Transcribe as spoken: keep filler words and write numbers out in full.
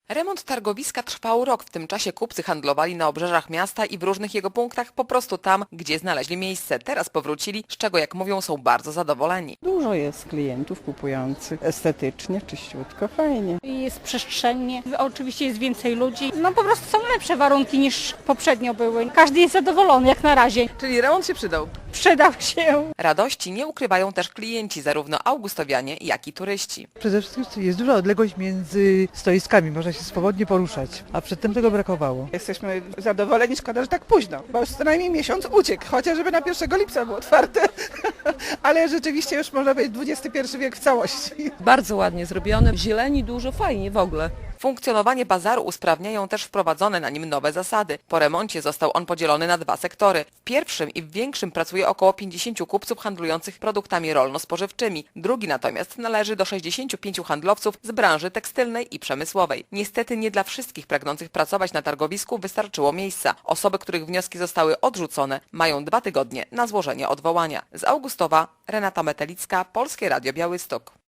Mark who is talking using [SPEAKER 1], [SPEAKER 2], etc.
[SPEAKER 1] Remont targowiska trwał rok. W tym czasie kupcy handlowali na obrzeżach miasta i w różnych jego punktach, po prostu tam, gdzie znaleźli miejsce. Teraz powrócili, z czego, jak mówią, są bardzo zadowoleni.
[SPEAKER 2] Dużo jest klientów kupujących. Estetycznie, czyściutko, fajnie.
[SPEAKER 3] Jest przestrzennie, oczywiście jest więcej ludzi. No po prostu są lepsze warunki niż poprzednio były. Każdy jest zadowolony jak na razie.
[SPEAKER 4] Czyli remont się przydał.
[SPEAKER 3] Przydał się.
[SPEAKER 1] Radości nie ukrywają też klienci, zarówno augustowianie, jak i turyści.
[SPEAKER 5] Przede wszystkim jest duża odległość między stoiskami, można się swobodnie poruszać, a przedtem tego brakowało.
[SPEAKER 4] Jesteśmy zadowoleni, szkoda, że tak późno, bo już co najmniej miesiąc uciekł, chociażby na pierwszego lipca było otwarte, ale rzeczywiście już można być dwudziesty pierwszy wiek w całości.
[SPEAKER 6] Bardzo ładnie zrobione, zieleni dużo, fajnie w ogóle.
[SPEAKER 1] Funkcjonowanie bazaru usprawniają też wprowadzone na nim nowe zasady. Po remoncie został on podzielony na dwa sektory. W pierwszym i w większym pracuje około pięćdziesięciu kupców handlujących produktami rolno-spożywczymi. Drugi natomiast należy do sześćdziesięciu pięciu handlowców z branży tekstylnej i przemysłowej. Niestety nie dla wszystkich pragnących pracować na targowisku wystarczyło miejsca. Osoby, których wnioski zostały odrzucone, mają dwa tygodnie na złożenie odwołania. Z Augustowa Renata Metelicka, Polskie Radio Białystok.